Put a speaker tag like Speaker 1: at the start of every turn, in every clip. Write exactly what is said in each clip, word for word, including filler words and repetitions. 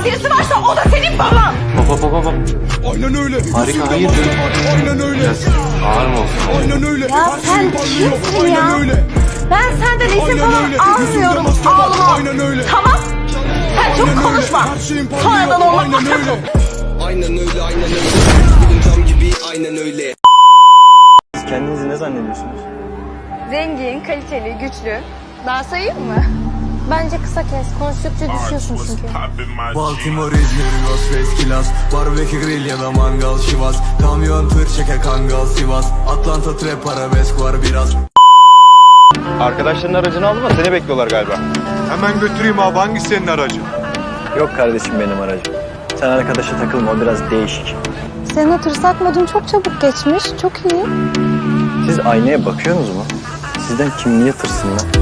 Speaker 1: baban birisi varsa o da senin baban.
Speaker 2: Baba baba baba.
Speaker 3: Aynen öyle.
Speaker 2: Harika, hayır.
Speaker 3: Aynen öyle.
Speaker 2: Biraz ağır mı olsun?
Speaker 3: Aynen öyle.
Speaker 1: Ya sen kimsin ya?
Speaker 3: Aynen öyle.
Speaker 1: Ben senden izin
Speaker 3: Aynen
Speaker 1: falan
Speaker 3: öyle.
Speaker 1: almıyorum.
Speaker 3: Yüzünde
Speaker 1: Ağlama.
Speaker 3: aynen öyle.
Speaker 1: Tamam. Sen
Speaker 3: Aynen
Speaker 1: çok
Speaker 3: öyle.
Speaker 1: konuşma.
Speaker 3: Her şeyin parlıyor.
Speaker 1: Sonradan olmak
Speaker 3: Aynen
Speaker 1: masrafı.
Speaker 3: öyle.
Speaker 4: Aynen öyle, aynen öyle. Benim cam gibi, aynen öyle.
Speaker 5: Siz kendinizi ne zannediyorsunuz?
Speaker 6: Zengin, kaliteli, güçlü. Daha sayayım mı? Bence kısa kes. Konuştukça düşüyorsun çünkü.
Speaker 7: Baltimore, İzmir, Los Veskilas, barbekü grill ya da mangal şivas, kamyon tır çeker kangal Sivas, Atlanta trap arabesk var biraz.
Speaker 5: Arkadaşların aracını aldı mı? Seni bekliyorlar galiba.
Speaker 8: Hemen götüreyim abi, hangisi senin aracın?
Speaker 5: Yok kardeşim benim aracım. Sen arkadaşa takılma, o biraz değişik.
Speaker 6: Senin o tırsak modun çok çabuk geçmiş. Çok iyi.
Speaker 5: Siz aynaya bakıyorsunuz mu? Sizden kim niye tırsın lan?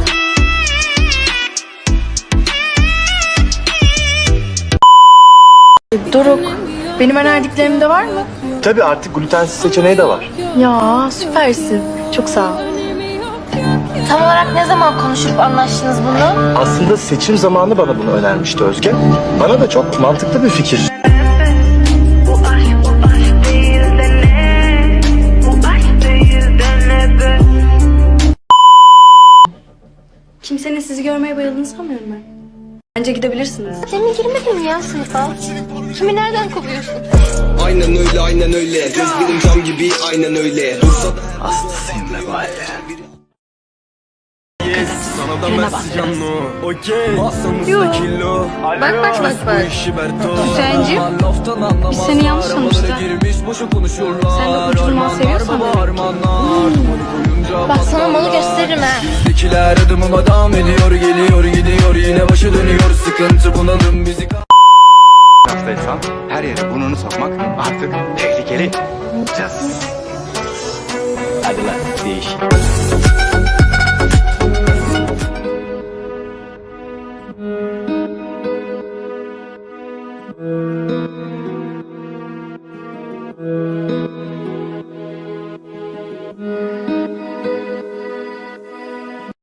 Speaker 9: Doruk, benim önerdiklerimde var mı?
Speaker 5: Tabii artık glutensiz seçeneği de var.
Speaker 9: Ya süpersin. Çok sağ ol.
Speaker 6: Tam olarak ne zaman konuşup anlaştınız bunu?
Speaker 5: Aslında seçim zamanı bana bunu önermişti Özge. Bana da çok mantıklı bir fikir.
Speaker 9: Kimsenin sizi görmeye bayıldığını sanmıyorum ben. Bence gidebilirsiniz.
Speaker 6: Demin girmedin mi ya sınıfa? Kimi nereden kovuyorsun?
Speaker 4: Aynen öyle, aynen öyle. Gözlerim cam gibi, aynen öyle. Dursa da
Speaker 5: Hastasıyım be bari.
Speaker 7: Sana da mesaj anlo, okey. Masamızda kilo.
Speaker 6: Bak bak bak bak. Hüseyin'cim, biz seni yanlış tanıştık. Sen de uçurma seviyorsan bak sana malı gösteririm ha.
Speaker 7: Bizdekiler adımıma devam ediyor, geliyor gidiyor, yine başı dönüyor, sıkıntı bunalım bizi.
Speaker 8: Haftaysan her yere burnunu sokmak artık tehlikeli.
Speaker 5: Hadi lan değişik.